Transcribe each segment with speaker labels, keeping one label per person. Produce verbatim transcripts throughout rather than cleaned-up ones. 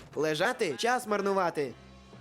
Speaker 1: Лежати? Час марнувати.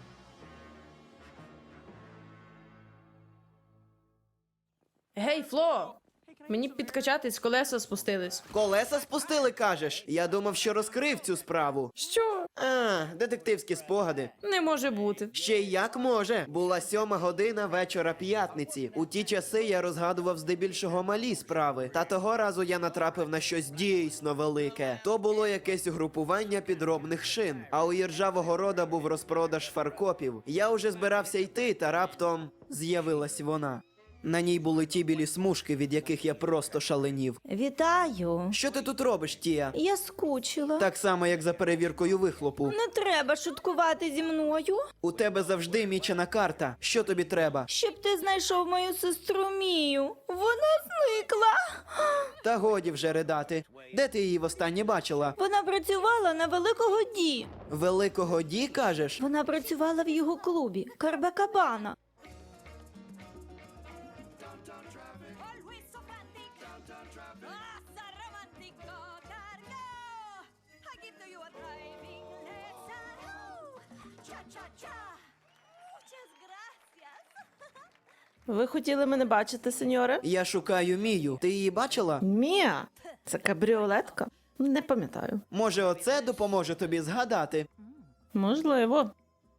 Speaker 2: Гей, Фло! Мені підкачатись, колеса спустились.
Speaker 1: Колеса спустили, кажеш? Я думав, що розкрив цю справу.
Speaker 2: Що?
Speaker 1: А, детективські спогади.
Speaker 2: Не може бути.
Speaker 1: Ще й як може. Була сьома година вечора п'ятниці. У ті часи я розгадував здебільшого малі справи. Та того разу я натрапив на щось дійсно велике. То було якесь угрупування підробних шин. А у Іржавого рода був розпродаж фаркопів. Я уже збирався йти, та раптом з'явилась вона. На ній були ті білі смужки, від яких я просто шаленів.
Speaker 3: Вітаю.
Speaker 1: Що ти тут робиш, Тія?
Speaker 3: Я скучила.
Speaker 1: Так само, як за перевіркою вихлопу.
Speaker 3: Не треба шуткувати зі мною.
Speaker 1: У тебе завжди мічена карта. Що тобі треба?
Speaker 3: Щоб ти знайшов мою сестру Мію. Вона зникла.
Speaker 1: Та годі вже ридати. Де ти її востаннє бачила?
Speaker 3: Вона працювала на Великого Ді.
Speaker 1: Великого Ді, кажеш?
Speaker 3: Вона працювала в його клубі Карбакабана.
Speaker 4: Always so frantic. Ah, so romantico. Cargo. I give to you a driving lesson. Oh, cha cha cha. Muchas gracias.
Speaker 5: Ви хотіли мене бачити, сеньоре?
Speaker 1: Я шукаю Мію. Ти її бачила?
Speaker 5: Мія? Це кабріолетка? Не пам'ятаю.
Speaker 1: Може, оце допоможе тобі згадати?
Speaker 5: Можливо.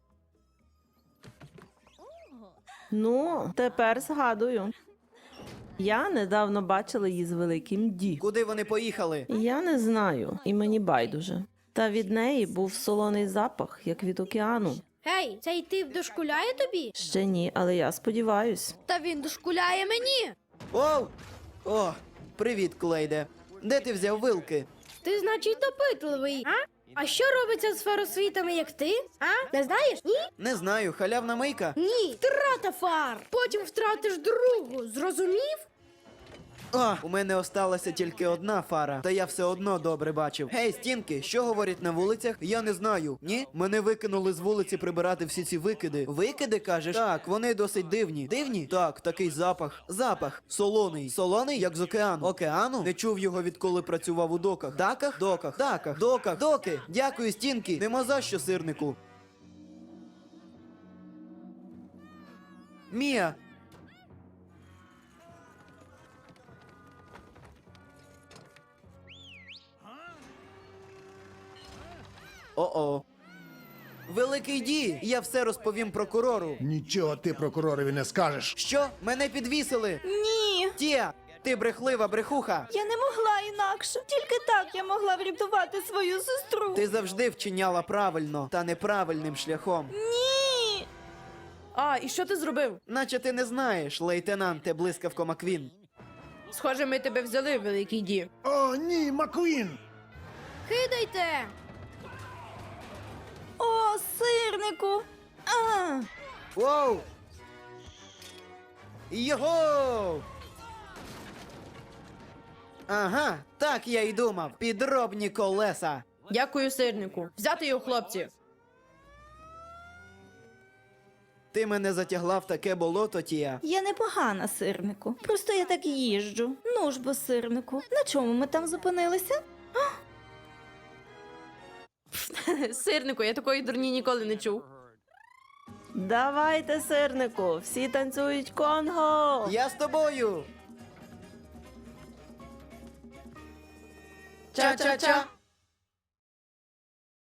Speaker 5: Ну, тепер згадую. Я недавно бачила її з Великим Ді.
Speaker 1: Куди вони поїхали?
Speaker 5: Я не знаю, і мені байдуже. Та від неї був солоний запах, як від океану.
Speaker 6: Гей, цей тип дошкуляє тобі?
Speaker 5: Ще ні, але я сподіваюсь.
Speaker 6: Та він дошкуляє мені.
Speaker 1: Оу! О, привіт, Клейде. Де ти взяв вилки?
Speaker 6: Ти, значить, допитливий, а? А що робиться з фаросвітами, як ти? А? Не знаєш? Ні?
Speaker 1: Не знаю, халявна мийка?
Speaker 6: Ні. Втрата фар. Потім втратиш другу. Зрозумів?
Speaker 1: А, у мене осталася тільки одна фара, та я все одно добре бачив. Гей, стінки, що говорять на вулицях? Я не знаю. Ні? Мене викинули з вулиці прибирати всі ці викиди. Викиди, кажеш? Так, вони досить дивні. Дивні? Так, такий запах. Запах. Солоний. Солоний, як з океану. Океану? Не чув його, відколи працював у доках. Даках? Доках. Даках. Доках. Доки. Дякую, стінки. Нема за що, сирнику. Мія. О-о. Великий Ді, я все розповім прокурору.
Speaker 7: Нічого ти прокуророві не скажеш.
Speaker 1: Що? Мене підвісили?
Speaker 3: Ні.
Speaker 1: Тія, ти брехлива брехуха.
Speaker 3: Я не могла інакше. Тільки так я могла врятувати свою сестру.
Speaker 1: Ти завжди вчиняла правильно, та неправильним шляхом.
Speaker 3: Ні.
Speaker 2: А, і що ти зробив?
Speaker 1: Наче ти не знаєш, лейтенанте Блискавко Маквін.
Speaker 2: Схоже, ми тебе взяли, Великий Ді.
Speaker 7: О, ні, Маквін!
Speaker 6: Кидайте.
Speaker 3: О, сирнику. А.
Speaker 1: Воу! Його! Ага, так я й думав. Підробні колеса.
Speaker 2: Дякую, сирнику. Взяти його, хлопці.
Speaker 1: Ти мене затягла в таке болото, Тія.
Speaker 3: Я непогана, сирнику. Просто я так їжджу. Ну ж бо, сирнику. На чому ми там зупинилися?
Speaker 2: Сирнику, я такої дурні ніколи не чув.
Speaker 5: Давайте, сирнику, всі танцюють конго!
Speaker 1: Я з тобою.
Speaker 2: Ча-ча-ча.